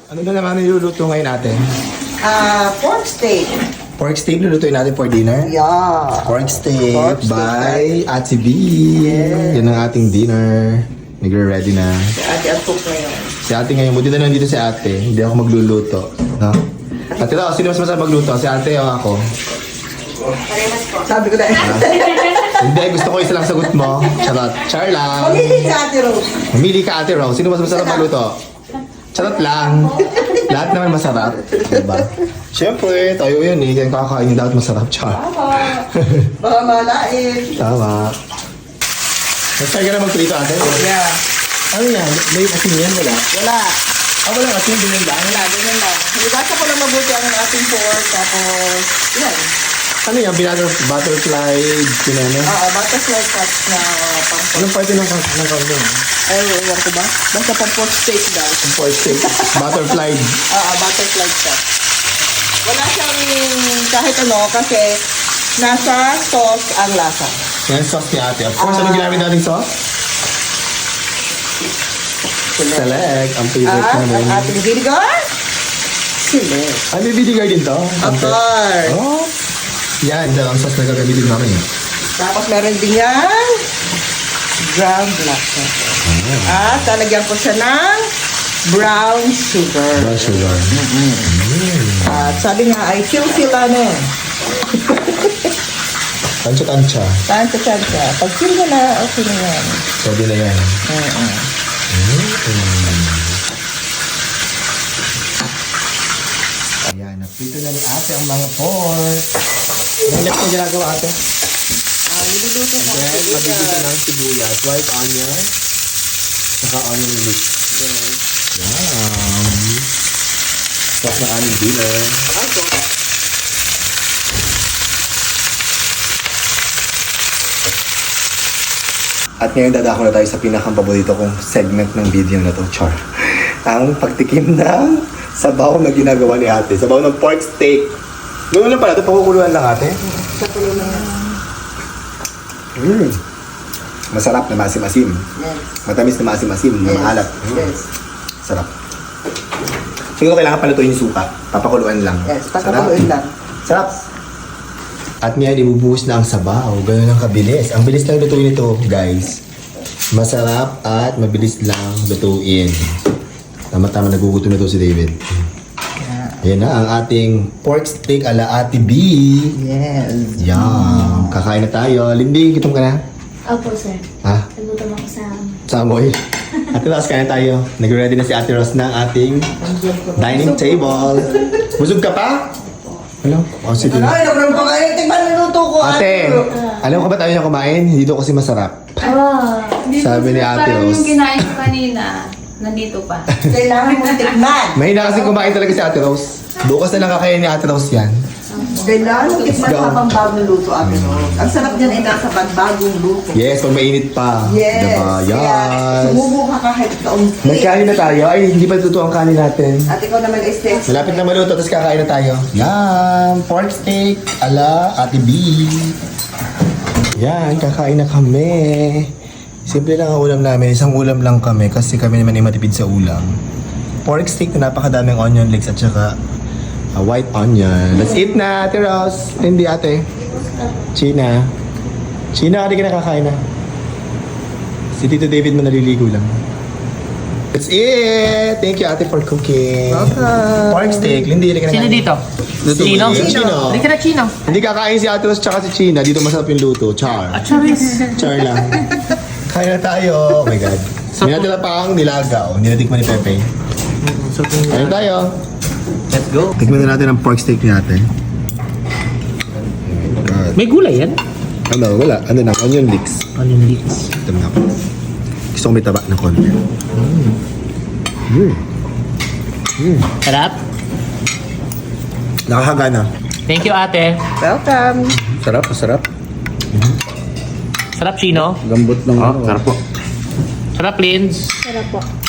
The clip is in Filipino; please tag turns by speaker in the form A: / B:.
A: Ano na naman niluluto ngayon natin?
B: Pork steak.
A: Pork steak lulutuin natin for dinner?
B: Yeah.
A: Pork steak
B: Pork steak,
A: by Ate B.
B: Yes.
A: Yan ang ating dinner. Nagre-ready na.
B: Si ate ang cook ngayon.
A: Si ate ngayon, buti na nandito si ate. Hindi ako magluluto. No? Ate daw, sino mas masarap magluto? Si ate o ako?
B: Sabi ko na.
A: Hindi, gusto ko isa lang sagot mo. Charot. Char lang.
B: Mamili si ate Rose.
A: Mamili ka ate Rose. Sino mas masarap magluto? Charot lang. Lahat naman masarap. Diba? Siyempre, tayo yun eh. Kaya kakain dapat masarap. Char.
B: Baka malain.
A: Tama. Nag-try ka na magprito ate?
B: Yeah.
A: Ano yan? May asin yan? Wala?
B: Wala.
A: Walang asin. Ganyan lang.
B: Wala, ganyan lang. Nagasa ko lang mabuti ang ating pork. Tapos, yan.
A: Ano yan? Butterfly? Pinano?
B: Butterfly cuts na pang-pork.
A: Anong parte ng kambing?
B: Ay, ewan ko ba? Basta pang-pork steak daw.
A: Ang pork steak. Butterfly.
B: Butterfly cuts. Wala siyang kahit ano kasi nasa sauce ang lasa.
A: Yan sauce ni ate. Of course, ano ginamit natin sauce? Select. Ang favorite
B: Ang
A: namin.
B: ating vinegar. Select.
A: Ay, may vinegar din to?
B: Of course.
A: Oh. Yan, ang sauce na gagamitin namin.
B: Tapos meron din yan ground black pepper. At lalagyan ko siya ng brown sugar.
A: Brown sugar.
B: At sabi nga ay feel ano.
A: Tansya-tansya.
B: Tansya. Pag feel mo na, okay na yan.
A: Sabi na yan. Ayan, napito na ni ate ang mga pork. Anong next na ginagawa ate?
B: Niluluto ko ang
A: Then, mabibigyan
B: sibuyas.
A: ng sibuyas, white onion, saka onion leeks. Yum! Sarap na aming dinner. At ngayon dadako na tayo sa pinakang paborito kong segment ng video na to, Char. Ang pagtikim ng sabaw na ginagawa ni ate. Sabaw ng pork steak. Ganoon lang pala ito, pakukuluan lang ate.
B: Sa tulo na yan.
A: Masarap na masim-masim.
B: Yes.
A: Matamis na masim-masim, na maalat.
B: Yes.
A: Sarap. Siguro kailangan palutuin yung suka. Papakuluan lang.
B: Yes, pagkakuluin lang.
A: Sarap. At ngayon, ibubuhos na ang sabaw. Ganun ang kabilis. Ang bilis lang lutuin ito, guys. Masarap at mabilis lang lutuin. Tama-tama, nagugutom na to si David. Ayan na ang ating pork steak ala Ate B.
B: Yes.
A: Yum. Kakain na tayo. Lindy, gutom ka na?
C: Opo, sir.
A: Ha?
C: Nagutom ako sa...
A: Samoy. Ate Ros, kain na tayo. Nag-ready na si Ate Ros ng ating dining table. Busog ka pa? Ano? O, sige.
B: Ay, nakulang pa kayo. Tingnan niluto ko.
A: Ate, alam ko ba tayo na kumain? Dito kasi masarap. Sabi ni Ate
C: Parang
A: Rose.
C: yung kinain ko kanina, nandito pa.
B: Kailangan mong tikman.
A: Mahina kasi kumain talaga si Ate Rose. Bukas na lang kakain ni Ate Rose yan.
B: Kailangan mong tikman
A: Let's go.
B: habang bagong luto, Ate Rose. Ang sarap niyan ay nasa bagong luto.
A: Yes, pag mainit pa.
B: Yes.
A: Diba?
B: Kaya,
A: Yes.
B: sumubo ka kahit kaunti.
A: Nagkain na tayo. Ay, hindi pa totoo ang kanin natin.
B: At ikaw naman ay steak.
A: Malapit na maluto, tapos kakain na tayo. Yan! Pork steak ala Ate B. Yan, kakain na kami. Simple lang ang ulam namin. Isang ulam lang kami kasi kami naman ay matipid sa ulam. Pork steak na napakadaming onion leeks at saka white onion. Let's eat na, Ate Rose. Hindi, ate. China. China, hindi ka nakakain na. Si Tito David mo naliligo lang. Let's eat! Thank you, ate, for cooking.
B: Welcome.
A: Pork steak. Hindi, hindi ka
D: Sino
A: nakakain.
D: dito?
A: Lutuin.
D: Chino?
A: Chino.
D: Hindi ka na Chino.
A: Hindi kakain si Ate Rose tsaka si China. Dito masarap yung luto. Char.
D: Charis.
A: Char lang. Kaya na tayo. Oh my God. May natira pa ang nilagaw. Hindi natikman ni Pepe. Kaya na tayo.
D: Let's go.
A: Tikman na natin ang pork steak natin.
D: May gulay yan?
A: Ano, wala. Ano na, onion leeks.
D: Onion leeks.
A: Ito na ako. Gusto ko may taba ng konti.
D: Sarap.
A: Nakakagana.
D: Thank you, ate.
B: Welcome.
A: Sarap, sarap.
D: Sarap, Chino.
A: Gambot ng
D: Sarap po. Sarap, Linz.
C: Sarap po.